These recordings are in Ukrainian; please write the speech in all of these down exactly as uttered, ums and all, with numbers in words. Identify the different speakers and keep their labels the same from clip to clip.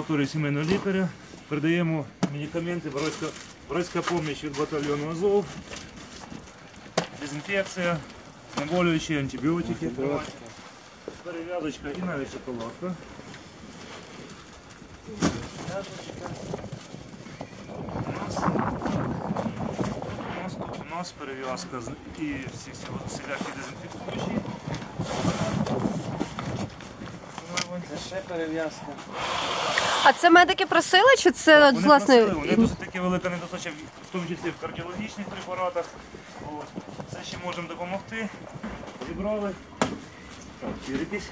Speaker 1: амбулаторії сімейного лікаря. Передаємо медикаменти, братська допомога від батальйону Азов, дезінфекція, знеболюючі, антибіотики, перев'язочка і навіть шоколадка. У нас перев'язка і всі всілякі дезінфікуючі.
Speaker 2: Це ще перев'язка.
Speaker 3: А це медики просили, чи це
Speaker 1: Вони
Speaker 3: власне?
Speaker 1: просили, вони досить таки велика недостача, в тому числі в кардіологічних препаратах. От. Це ще можемо допомогти. Зібрали. Так, віритись.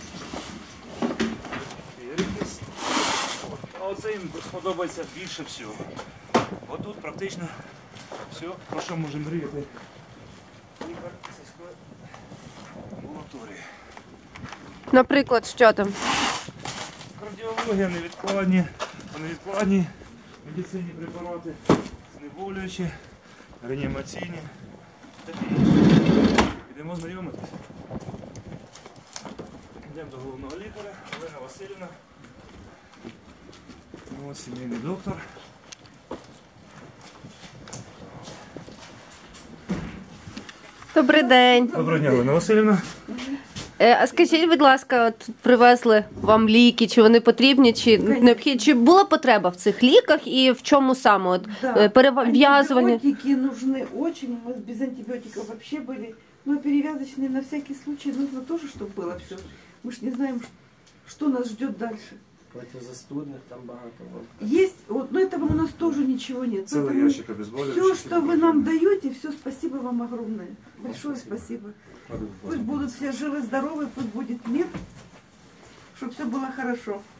Speaker 1: Віритись. А оце їм сподобається більше всього. Отут практично все, про що можемо мріяти. Лікар сільської амбулаторії.
Speaker 3: Наприклад, що там?
Speaker 1: Кардіологія, невідкладні, невідкладні медицинні препарати, знеболюючі, реанімаційні. Такі інші. Йдемо знайомитися. Йдемо до головного лікаря, Олена Васильівна. Ось сімейний доктор.
Speaker 3: Добрий день.
Speaker 1: Доброго дня, Олена Васильівна.
Speaker 3: Е, А скажіть, будь ласка, от привезли вам ліки, чи вони потрібні, чи необхідні, чи була потреба в цих ліках і в чому саме? От,
Speaker 4: Да.
Speaker 3: перев'язування?
Speaker 4: Антибиотики нужны очень, мы без антибиотиков вообще были. Но перевязочные на всякий случай нужно тоже, чтобы было все. Мы ж не знаем, что нас ждет дальше.
Speaker 2: Протизастудних там багато.
Speaker 4: Есть, вот, но этого у нас тоже ничего нет.
Speaker 1: Целый ящик обезболивающих.
Speaker 4: Все, что вы нам даете, все, спасибо вам огромное. Большое спасибо. Пусть будут все живы, здоровы, пусть будет мир, чтобы все было хорошо.